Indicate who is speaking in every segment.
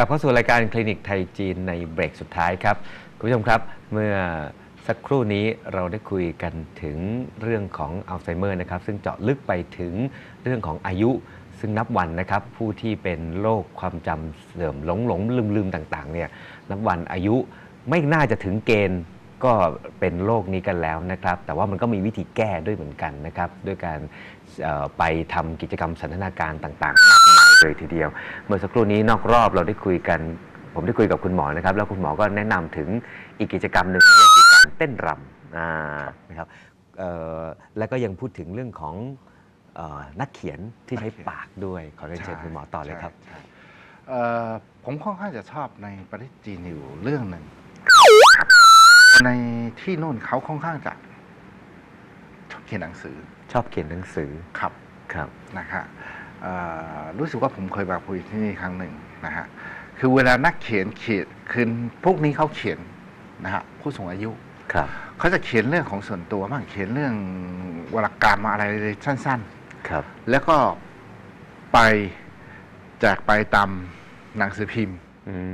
Speaker 1: ลับเข้าสู่รายการคลินิกไทยจีนในเบรกสุดท้ายครับคุณผู้ชมครับเมื่อสักครู่นี้เราได้คุยกันถึงเรื่องของอัลไซเมอร์นะครับซึ่งเจาะลึกไปถึงเรื่องของอายุซึ่งนับวันนะครับผู้ที่เป็นโรคความจำเสื่อมหลงลืมต่างๆเนี่ยนับวันอายุไม่น่าจะถึงเกณฑ์ก็เป็นโรคนี้กันแล้วนะครับแต่ว่ามันก็มีวิธีแก้ด้วยเหมือนกันนะครับด้วยการไปทำกิจกรรมสันทนาการต่างๆมากมายเลยทีเดียวเมื่อสักครู่นี้นอกรอบเราได้คุยกันผมได้คุยกับคุณหมอนะครับแล้วคุณหมอก็แนะนำถึงอีกกิจกรรมหนึ่งนั่นก็คือการเต้นรำนะครับแล้วก็ยังพูดถึงเรื่องของนักเขียนที่ใช้ปากด้วยขอเรียนเชิญคุณหมอต่อเลยครับ
Speaker 2: ผมค่อนข้างจะชอบในประเทศจีนอยู่เรื่องหนึ่งในที่โน่นเขาค่อนข้างจะชอบเขียนหนังสือครับนะฮะรู้สึกว่าผมเคยไปคุยที่นี่ครั้งหนึ่งนะฮะคือเวลานักเขียนคือพวกนี้เขาเขียนนะฮะผู้สูงอายุเขาจะเขียนเรื่องของส่วนตัวบ้างเขียนเรื่องวรรณกรรมอะไรสั้นๆแล้วก็ไปแจกไปตามหนังสือพิมพ์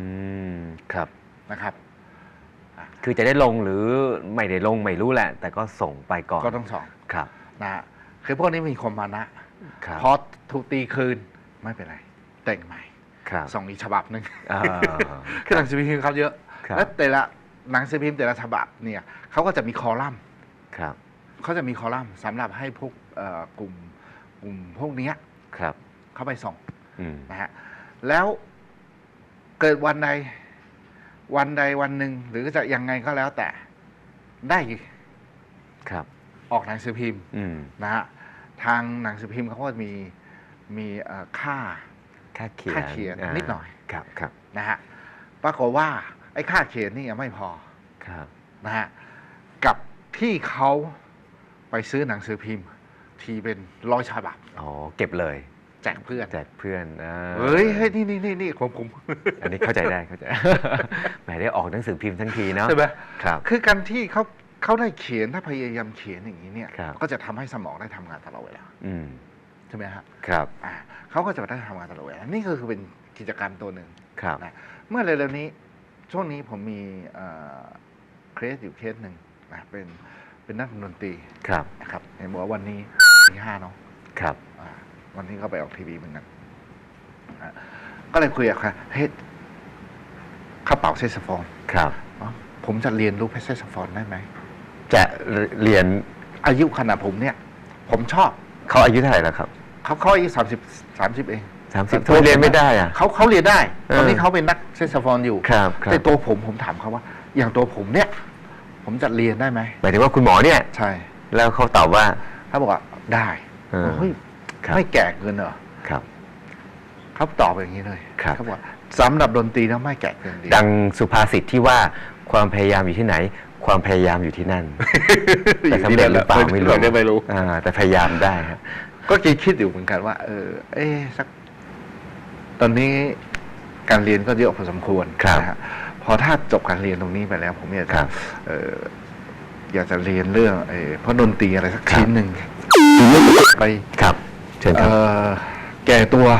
Speaker 2: นะครับ
Speaker 1: คือจะได้ลงหรือไม่ได้ลงไม่รู้แหละแต่ก็ส่งไปก่อน
Speaker 2: ก็ต้องส่งนะคือพวกนี้มีความมานะพอถูกตีคืนไม่เป็นไรแต่งใหม่ส่งอีกฉบับหนึ่งคือหนังสือพิมพ์เขาเยอะและแต่ละหนังสือพิมพ์แต่ละฉบับเนี่ยเขาก็จะมีคอลัมน์เขาจะมีคอลัมน์สำหรับให้พวกกลุ่มพวกนี้เข้าไปส่งนะฮะแล้วเกิดวันใดวันหนึ่งหรือจะยังไงก็แล้วแต่ได้ออกหนังสือพิมพ์นะฮะทางหนังสือพิมพ์เขาก็มีค่าเขียนนิดหน่อยนะฮะปรากฏว่าไอ้ค่าเขียนนี่ยังไม่พอนะฮะกับที่เขาไปซื้อหนังสือพิมพ์ทีเป็น100 ฉบับ
Speaker 1: เก็บเลย
Speaker 2: แจกเพื่อน
Speaker 1: เฮ้ย
Speaker 2: นี่ผม
Speaker 1: อันนี้เข้าใจได้แหมได้ออกหนังสือพิมพ์ทั้งทีเนาะ
Speaker 2: ใช่ไหมคือการที่เขาได้เขียนถ้าพยายามเขียนอย่างนี้เนี่ยก็จะทำให้สมองได้ทำงานตลอดเวลาใช่ไหมครับเขาก็จะได้ทำงานตลอดเวลานี่ก็คือเป็นกิจกรรมตัวหนึ่งนะเมื่อเร็วๆนี้ช่วงนี้ผมมีเคสอยู่เคสหนึ่งนะเป็นนักดนตรีนะครับเห็นบอกว่าวันนี้ที่5เนาะวันนี้เขาไปออกทีวีเหมือนกันก็เลยคุยกับเขาเฮ้ยเขาเป่าแซกโซโฟนผมจะเรียนรู้แซกโซโฟนได้ไหม
Speaker 1: จะเรียน
Speaker 2: อายุขนาดผมเนี่ยผมชอบ
Speaker 1: เขาอายุเท่าไหร่แล้วครับ
Speaker 2: เขาอายุ30เอง
Speaker 1: 30เขาเรียนไม่ได้อะ
Speaker 2: เขาเรียนได้ตอนนี้เขาเป็นนักแซกโซโฟนอยู่แต่ตัวผมถามเขาว่าอย่างตัวผมเนี่ยผมจะเรียนได้ไหม
Speaker 1: หมายถึงว่าคุณหมอเนี่ย
Speaker 2: ใช่
Speaker 1: แล้วเขาตอบว่า
Speaker 2: เขาบอกว่าได้เฮ้ยไม่แก่เกินเหรอเขาตอบอย่างนี้เลยเขาบอกสำหรับดนตรีแล้วไม่แก่เกินดี
Speaker 1: ดังสุภาษิตที่ว่าความพยายามอยู่ที่ไหนความพยายามอยู่ที่นั่นแต่สำเร็จหรือเปล่าไม่รู้แต่พยายามได้ครับ
Speaker 2: ก็คิดอยู่เหมือนกันว่าสักตอนนี้การเรียนก็เยอะพอสมควรนะฮะพอถ้าจบการเรียนตรงนี้ไปแล้วผมอยากจะเรียนเรื่องเพราะดนตรีอะไรสักชิ้นหนึ่งไป
Speaker 1: เชิญครับ
Speaker 2: แก่ตัว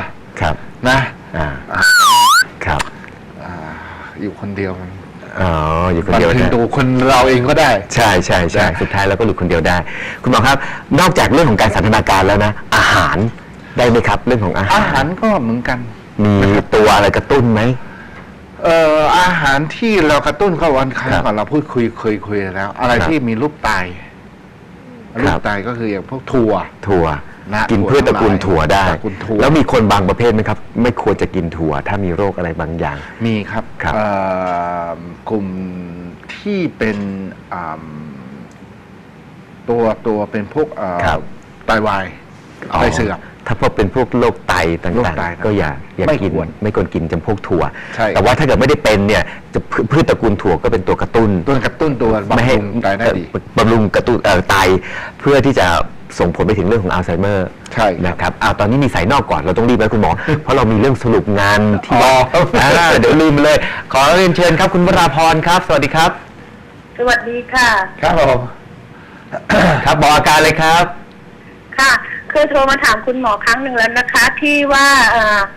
Speaker 1: นะครับ
Speaker 2: อยู่คนเดียวมัน
Speaker 1: อยู่คนเดียว
Speaker 2: ตัวคนเราเองก็ได้
Speaker 1: ใช่สุดท้ายเราก็หลุดคนเดียวได้คุณหมอครับนอกจากเรื่องของการสันทนาการแล้วนะอาหารได้ไหมครับเรื่องของอาหาร
Speaker 2: ก็เหมือนกัน
Speaker 1: มีตัวอะไรกระตุ้นไหม
Speaker 2: อาหารที่เรากระตุ้นก็วันครั้งก่อนเราพูดคุยแล้วอะไรที่มีรูปไตก็คืออย่างพวกถั่ว
Speaker 1: กินพืชตระกูลถั่วได้แล้วมีคนบางประเภทไหมครับไม่ควรจะกินถั่วถ้ามีโรคอะไรบางอย่าง
Speaker 2: มีครับกลุ่มที่เป็นตัวเป็นพวกไตวายไตเสื่อม
Speaker 1: ถ้าพบเป็นพวกโรคไตต่างๆก็อย่ากินไม่ควรกินจำพวกถั่วแต่ว่าถ้าเกิดไม่ได้เป็นเนี่ยจะพืชตระกูลถั่วก็เป็นตัวกระตุ้น
Speaker 2: ตัว
Speaker 1: ไม่ให้บำรุงกระตุ้นไตเพื่อที่จะส่งผลไปถึงเรื่องของอัลไซเมอร์นะครับตอนนี้มีสายนอกก่อนเราต้องรีบแล้วคุณหมอเพราะเรามีเรื่องสรุปงานที่เดี๋ยวลืมเลยขอเรียนเชิญครับคุณวราพรครับสวัสดีครับ
Speaker 3: สวัสดีค่ะ
Speaker 2: ครับผม
Speaker 1: ครับบอกอาการเลยครับ
Speaker 3: ค่ะคือโทรมาถามคุณหมอครั้งหนึ่งแล้วนะคะที่ว่า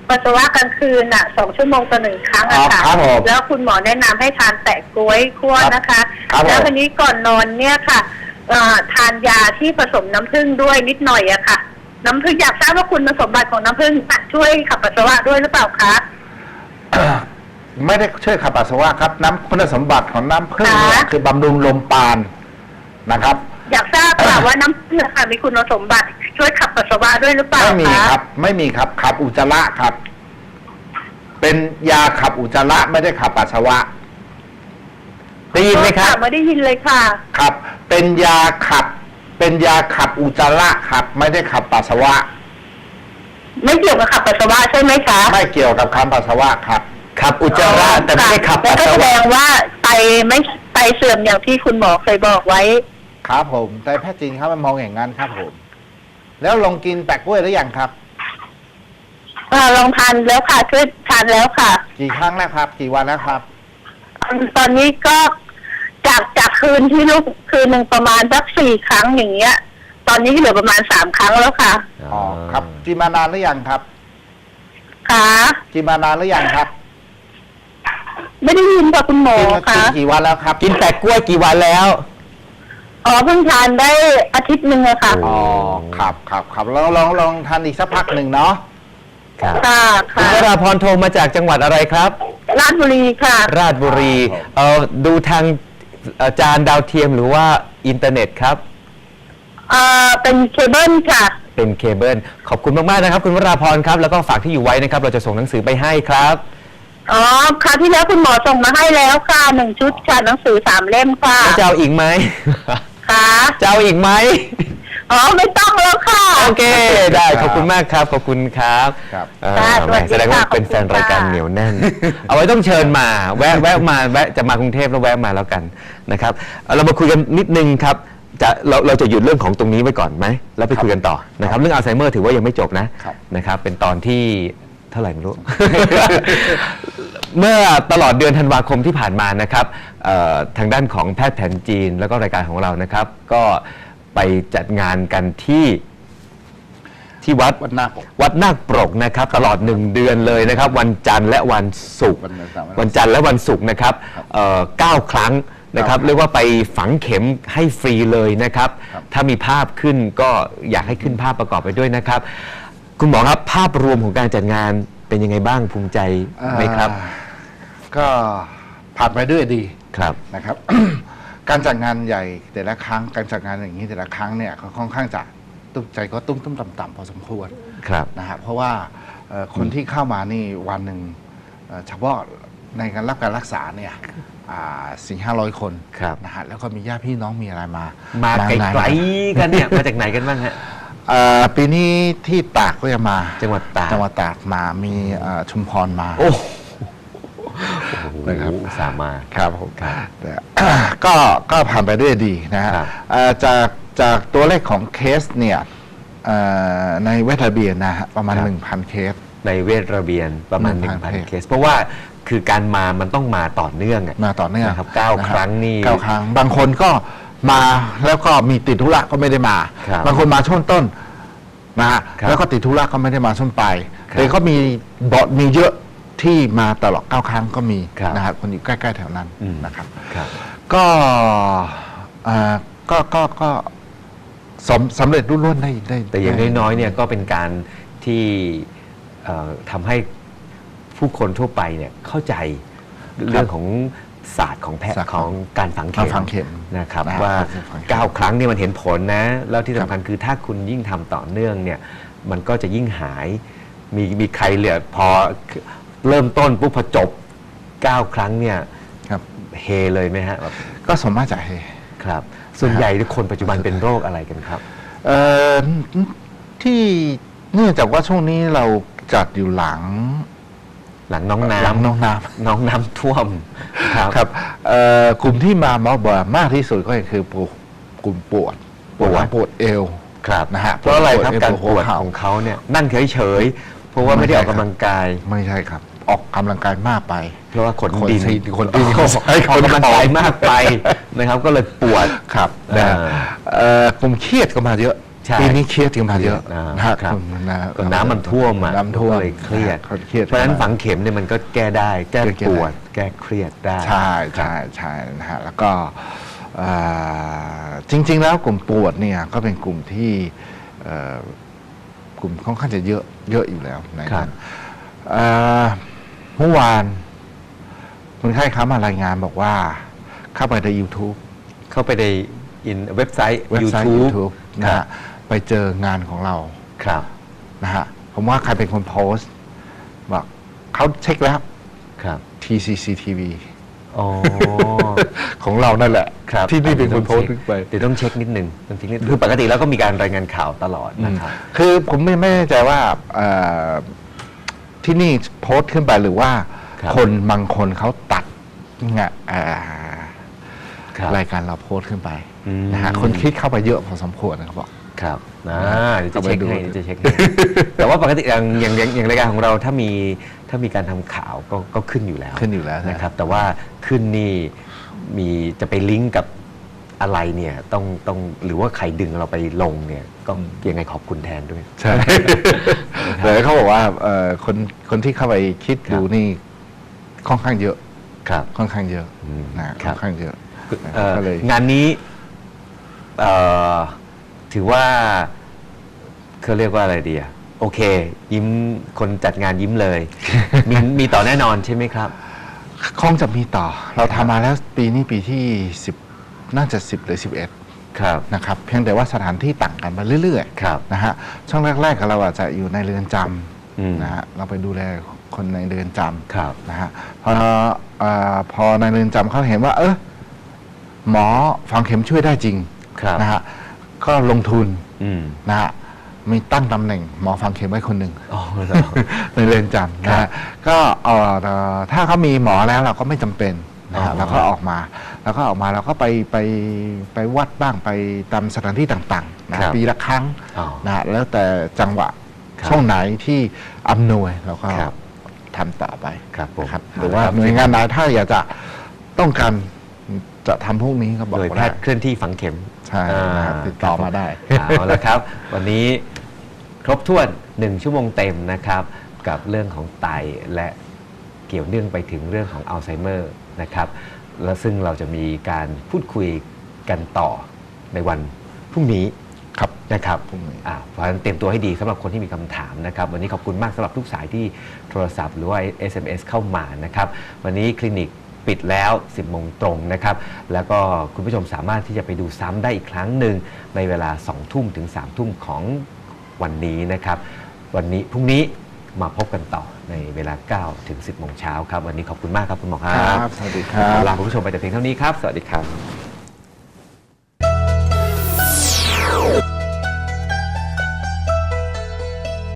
Speaker 3: ปัสสาวะกลางคืน2 ชั่วโมงต่อ1 ครั้งอะค่ะ
Speaker 2: ครับผม
Speaker 3: แล้วคุณหมอแนะนำให้ทานแปะกล้วยคั่วนะคะ
Speaker 2: ครับผม
Speaker 3: แล้ววันนี้ก่อนนอนเนี่ยค่ะทานยาที่ผสมน้ำผึ้งด้วยนิดหน่อยอะค่ะ น้ำผึ้งอยากทราบว่าคุณสมบัติของน้ำผึ้งช่วยขับปัสสาวะด้วยหรือเปล่าคะ
Speaker 2: ไม่ได้ช่วยขับปัสสาวะครับน้ำคุณสมบัติของน้ำผึ้งเนี่ย
Speaker 3: ค่ะ
Speaker 2: คือบำรุงลมปราณนะครับ
Speaker 3: อยากทราบค่ะว่าน้ำผึ้งค่ะมีคุณสมบัติช่วยขับปัสสาวะด้วยหรือเปล่า
Speaker 2: ไม่มี
Speaker 3: คะ
Speaker 2: ครับ ไม่มีครับขับอุจจาระครับ เป็นยาขับอุจจาระไม่ได้ขับปัสสาวะ
Speaker 1: ได้ยินไหมครับ
Speaker 3: ไม่ได้ยินเลยค่ะ
Speaker 2: ครับ เป็นยาขับอุจจาระครับ ไม่ได้ขับปัสสาวะ
Speaker 3: ไม่เกี่ยวกับขับปัสสาวะใช่ไหมคะ
Speaker 2: ไม่เกี่ยวกับคำปัสสาวะครับ
Speaker 1: ขับอุจจาระแต่ไม่ได้ขับ
Speaker 3: แล้
Speaker 1: ปั
Speaker 3: ว
Speaker 1: ส
Speaker 3: ก็
Speaker 1: สา
Speaker 3: แสด
Speaker 1: วะ
Speaker 3: งว่าไตเสื่อมอย่างที่คุณหมอเคยบอกไว้
Speaker 2: ครับผมแต่แพทย์จีนเขามองอย่างนั้นครับผม แล้วลองกินแปะกล้วยหรือยังครับ
Speaker 3: ลองทานแล้วค่ะช่วยทานแล้วค่ะ
Speaker 2: กี่ครั้งแล้วครับ กี่วันแล้วครับ
Speaker 3: ตอนนี้ก็จากคืนที่ลูกคืนหนึ่งประมาณสัก4 ครั้งอย่างเงี้ย ตอนนี้เหลือประมาณ3 ครั้งแล้วค่ะ
Speaker 2: อ๋อครับกินมานานหรือยังครับ
Speaker 3: ค่ะ
Speaker 2: กินมานานหรือยังครับ
Speaker 3: ไม่ได้ยินค่ะคุณหมอ
Speaker 2: กิน
Speaker 3: ค่ะ
Speaker 2: กี่วันแล้วครับ
Speaker 1: กินแปะกล้วยกี่วันแล้ว
Speaker 3: เพิ่งทานได้อาทิตย์หนึ่งอะค่ะ
Speaker 2: อ๋อครับลองทานอีกสักพักหนึ่งเนาะ
Speaker 1: ครับ
Speaker 3: ค่ะ
Speaker 1: คุณ
Speaker 3: ค่ะ
Speaker 1: วราพรโทรมาจากจังหวัดอะไรครับ
Speaker 3: ราชบุรีค่ะ
Speaker 1: ราชบุรีดูทางจานดาวเทียมหรือว่าอินเทอร์เน็ตครับ
Speaker 3: เป็นเคเบิลค่ะ
Speaker 1: เป็นเคเบิลขอบคุณมากๆนะครับ คุณวราพรครับแล้วก็ฝากที่อยู่ไว้นะครับ เราจะส่งหนังสือไปให้ครับ
Speaker 3: คราวที่แล้วคุณหมอส่งมาให้แล้วค่ะ1 ชุดค่ะหนังสือ3 เล่มค่ะ
Speaker 1: แล้วจะเอาอีกไหม
Speaker 3: ค่ะ
Speaker 1: จะเอาอีกไหม
Speaker 3: ไม่ต้องแล้วค่ะ
Speaker 1: โอเค ได้ขอบคุณมากครับ ขอบคุณครับ
Speaker 2: ครับ
Speaker 3: ค่ะ
Speaker 1: แหม
Speaker 3: สวัสดี
Speaker 1: แสดงว่า
Speaker 3: ค่ะ
Speaker 1: เป็นแฟน
Speaker 3: ขอบคุณ
Speaker 1: รายการ
Speaker 3: ค่ะ
Speaker 1: เหนียวแน่น เอาไว้ต้องเชิญมาแวะมาจะมากรุงเทพแล้วแวะมาแล้วกันนะครับเรามาคุยกันนิดนึงครับเราจะหยุดเรื่องของตรงนี้ไว้ก่อนไหมแล้วไปคุยกันต่อนะครับเรื่องอัลไซเมอร์ถือว่ายังไม่จบนะครับเป็นตอนที่เท่าไหร่ไม่รู้ เมื่อตลอดเดือนธันวาคมที่ผ่านมานะครับทางด้านของแพทย์แผนจีนแล้วก็รายการของเรานะครับ ก็ไปจัดงานกันที่วัดนาคปรกนะครับตลอด1 เดือนเลยนะครับ วันจันทร์และวันศุกร์วันจันทร์และวันศุกร์นะครับ9 ครั้งนะครับเรียกว่าไปฝังเข็มให้ฟรีเลยนะครับ ถ้ามีภาพขึ้นก็อยากให้ขึ้นภาพประกอบไปด้วยนะครับ คุณหมอครับภาพรวมของการจัดงานเป็นยังไงบ้างภูมิใจไหมครับ
Speaker 2: ก็ผ่านไปด้วยดี
Speaker 1: ครับ
Speaker 2: นะครับ การจัดงานใหญ่แต่ละครั้งการจัดงานอย่างนี้แต่ละครั้งเนี่ยก็ค่อนข้างจะตุ้มใจก็ตุ้มต่ำๆพอสมควร
Speaker 1: ครับ
Speaker 2: นะฮะเพราะว่าคนที่เข้ามานี่วันหนึ่งเฉพาะในการรับการรักษาเนี่ย400-500 คน
Speaker 1: ครับ
Speaker 2: นะฮะแล้วก็มีญาติพี่น้องมีอะไรมา
Speaker 1: มาไก
Speaker 2: นาน
Speaker 1: ลๆกันเนี่ยมาจากไหนกันบ้างฮะ
Speaker 2: ปีนี้ที่ตากก็จะมา
Speaker 1: จังหวัดตาก
Speaker 2: จังหวัดตากมามีชุมพรมา
Speaker 1: โอ้โห
Speaker 2: นะครับ
Speaker 1: สามารถ
Speaker 2: ครับผม
Speaker 1: ครับ
Speaker 2: แต่ ก็ผ่านไปด้วยดีนะฮะ
Speaker 1: ครับ
Speaker 2: จากตัวเลขของเคสเนี่ยในเวทระเบียนนะฮะประมาณ 1,000 เคส
Speaker 1: ในเวทระเบียนประมาณ
Speaker 2: 1,000
Speaker 1: 1,000 เคส เพราะว่าคือการมามันต้องมาต่อเนื่องอะ
Speaker 2: มาต่อเนื่อง
Speaker 1: นะครับ9 ครั้งนี่
Speaker 2: 9 ครั้ง บางคนก็มาแล้วก็มีติดธุระก็ไม่ได้มา
Speaker 1: ครับ
Speaker 2: บางคนมาช่วงต้นนะฮะ
Speaker 1: ครับ
Speaker 2: แล้วก็ติดธุระก็ไม่ได้มาช่วงปลาย
Speaker 1: ครับ
Speaker 2: แต่ก็มีเยอะที่มาตลอด9 ครั้งก็มี
Speaker 1: ครับ
Speaker 2: นะฮะคนอยู่ใกล้ๆแถวนั้น
Speaker 1: อืม
Speaker 2: นะครับ
Speaker 1: ครับ
Speaker 2: ก็ก็สำเร็จรุ่ร่วงได้
Speaker 1: แต่อย่างน้อยๆเนี่ยก็เป็นการที่ทำให้ผู้คนทั่วไปเนี่ยเข้าใจเรื่องของศาสตร์ของแพท
Speaker 2: ศาสต
Speaker 1: ย์
Speaker 2: ร์
Speaker 1: ของการฝัง
Speaker 2: การฝังเข็
Speaker 1: เข็ม
Speaker 2: ม
Speaker 1: นะครับ
Speaker 2: นะฮะ
Speaker 1: ว่า
Speaker 2: การฝังเข็ม
Speaker 1: 9 ครั้งเนี่ยมันเห็นผลนะ แล้วที่สำคัญคือถ้าคุณยิ่งทำต่อเนื่องเนี่ยมันก็จะยิ่งหายมีใครเหลือพอเริ่มต้นปุ๊บพอจบ 9 ครั้งเนี่ย
Speaker 2: ครับ
Speaker 1: เฮเลยไหมฮะแบบ
Speaker 2: ก็สมมาตรจะเฮ
Speaker 1: ครับ ส่วนใหญ่คนปัจจุบันเป็นโรคอะไรกันครับ
Speaker 2: ที่เนื่องจากว่าช่วงนี้เราจัดอยู่หลัง
Speaker 1: หลังน้อง
Speaker 2: หลัง
Speaker 1: น้ำ
Speaker 2: น้องน้
Speaker 1: น้องน้ำท่วมครับ
Speaker 2: ำครับกลุ่มที่มาหมอบอกมากที่สุดก็คือกลุ่มปวดหลังปวดเอว
Speaker 1: ครับ
Speaker 2: นะฮะ
Speaker 1: เพราะอะไรครับ
Speaker 2: ปวดเอว
Speaker 1: การปวด
Speaker 2: เข่า
Speaker 1: ของเขาเนี่ยนั่งเฉยๆเพราะว่าไม่ได้ออกกำลังกาย
Speaker 2: ไม่ใช่ครับ ออกกำลังกายมากไป
Speaker 1: เพราะว่าขนดิน
Speaker 2: คนดิน
Speaker 1: ออกกำลังกายมากไปนะครับ ก็เลยปวด
Speaker 2: ครับ
Speaker 1: อ่า
Speaker 2: กลุ่มเครียดก็มาเยอะ
Speaker 1: ใช่
Speaker 2: ปีนี้เครียดกันมาเยอะ
Speaker 1: นะ
Speaker 2: ฮะ
Speaker 1: ครับ
Speaker 2: นะ
Speaker 1: ก็น้ำมันท่วมอ่ะ
Speaker 2: น้ำท่วม
Speaker 1: ก็เลยเครียด
Speaker 2: เขาเครียด
Speaker 1: เพราะฉะนั้นฝังเข็มเนี่ยมันก็แก้ได้ แก้ปวด แก้เครียดได้
Speaker 2: ใช่ใช่ใช่นะฮะแล้วก็จริง ๆ แล้วกลุ่มปวดเนี่ยก็เป็นกลุ่มที่กลุ่มค่อนข้างจะเยอะอยู่แล้วนะครับเมื่อวานคนไข้เขามารายงานบอกว่าเข้าไปใน YouTube
Speaker 1: เข้าไปในเว็บไซต์
Speaker 2: YouTube นะฮะไปเจองานของเรา
Speaker 1: ครับ
Speaker 2: นะฮะผมว่าใครเป็นคนโพสต์บอกเขาเช็คแล้ว
Speaker 1: ครับ
Speaker 2: TCCTV
Speaker 1: อ๋อ
Speaker 2: ของเรานั่นแหละ
Speaker 1: ครับ
Speaker 2: ที่นี่เป็นคนโพสต์ไป
Speaker 1: เดี๋ยวต้องเช็คนิดนึงต้องเช็คนิดคือปกติแล้วก็มีการรายงานข่าวตลอดนะครับ
Speaker 2: คือผมไม่แน่ใจว่าที่นี่โพสต์ขึ้นไปหรือว่า
Speaker 1: ครับ
Speaker 2: คนบางคนเขาตัดงะ
Speaker 1: ครับ
Speaker 2: รายการเราโพสต์ขึ้นไป
Speaker 1: อืม
Speaker 2: นะฮะคนคิดเข้าไปเยอะพอสมควรนะครับบอก
Speaker 1: ครับเดี๋ยวจะ
Speaker 2: เอาไป
Speaker 1: เช็ค
Speaker 2: ดู
Speaker 1: ให้เดี๋ยวจะเช็คให้ แต่ว่าปกติอย่างรายการของเราถ้ามีการทำข่าวก็ขึ้นอยู่แล้ว
Speaker 2: ขึ้นอยู่แล้ว
Speaker 1: นะครับ แต่ว่าขึ้นนี่มีจะไปลิงก์กับอะไรเนี่ยต้องหรือว่าใครดึงเราไปลงเนี่ยก็ยังไงขอบคุณแทนด้วย
Speaker 2: ใช่ แต่เขาบอกว่าคนที่เข้าไปคิดดูนี่ค่อนข้างเยอะ
Speaker 1: ครับ
Speaker 2: ค่อนข้างเยอะ
Speaker 1: อืม
Speaker 2: นะค่อนข้างเยอะ ก็เลย
Speaker 1: งานนี้ถือว่าเขาเรียกว่าอะไรดีอะโอเค ยิ้มคนจัดงานยิ้มเลย มีต่อแน่นอนใช่ไหมครับ
Speaker 2: คงจะมีต่อ เราทำมาแล้วปีนี้ปีที่10น่าจะ10หรือ11
Speaker 1: ครับ
Speaker 2: นะครับเพียงแต่ว่าสถานที่ต่างกันไปเรื่อย
Speaker 1: ครับ
Speaker 2: ๆนะฮะช่วงแรกๆเราอาจจะอยู่ในเรือนจ
Speaker 1: อืม
Speaker 2: ำนะฮะเราไปดูแลคนในเรือนจ
Speaker 1: ครับ
Speaker 2: ำนะฮะพอในเรือนจำเขาเห็นว่า หมอฝังเข็มช่วยได้จริง
Speaker 1: ครับ
Speaker 2: นะฮะก็ลงทุน
Speaker 1: อืม
Speaker 2: นะฮะมีตั้งตำแหน่งหมอฝังเข็มไว้คนหนึ่ง
Speaker 1: อ๋อเหรอ
Speaker 2: ในเรือนจำนะ
Speaker 1: ครั
Speaker 2: ฮะ
Speaker 1: บ
Speaker 2: ก็ถ้าเขามีหมอแล้วเราก็ไม่จำเป็นนะ
Speaker 1: อ๋
Speaker 2: ฮะ
Speaker 1: อ
Speaker 2: เราก็ออกมาเราก็ไปวัดบ้างไปตามสถานที่ต่างๆนะปีละครั้ง
Speaker 1: อ๋อ
Speaker 2: นะฮะแล้วแต่จังหวะ
Speaker 1: ครับ
Speaker 2: ช่วงไหนที่อำนวยเราก็
Speaker 1: ครับ
Speaker 2: ทำต่อไป
Speaker 1: ครับผม
Speaker 2: นะครับ
Speaker 1: เอาละ
Speaker 2: หรือว่า
Speaker 1: ครับ
Speaker 2: หน่วยงานไหนถ้าอยากจะต้องการจะทำพวกนี้ก็บอก
Speaker 1: โดยแพ
Speaker 2: ได้
Speaker 1: ทย์เคลื่อนที่ฝังเข็ม
Speaker 2: ใช่นะครับติดต่อมาได้
Speaker 1: เอาละครับ วันนี้ครบถ้วน1ชั่วโมงเต็มนะครับ กับเรื่องของไตและเกี่ยวเนื่องไปถึงเรื่องของอัลไซเมอร์นะครับและซึ่งเราจะมีการพูดคุยกันต่อในวันพรุ่งนี้
Speaker 2: ครับ
Speaker 1: นะครับ
Speaker 2: พรุ่งนี้
Speaker 1: เพราะฉะนั้นเตรียมตัวให้ดีสำหรับคนที่มีคำถามนะครับ วันนี้ขอบคุณมากสำหรับทุกสายที่โทรศัพท์หรือว่า SMS เข้ามานะครับ วันนี้คลินิกปิดแล้ว 10 โมงตรงนะครับ แล้วก็คุณผู้ชมสามารถที่จะไปดูซ้ำได้อีกครั้งหนึ่งในเวลา 2 ทุ่มถึง 3 ทุ่มของวันนี้นะครับ วันนี้พรุ่งนี้มาพบกันต่อในเวลา 9 ถึง 10 โมงเช้าครับ วันนี้ขอบคุณมากครับคุณหมอค
Speaker 2: ค
Speaker 1: รั
Speaker 2: รับ บสวัสดีครับ
Speaker 1: ลาคุณผู้ชมไปแต่เพียงเท่านี้ครับ สวัสดีครับ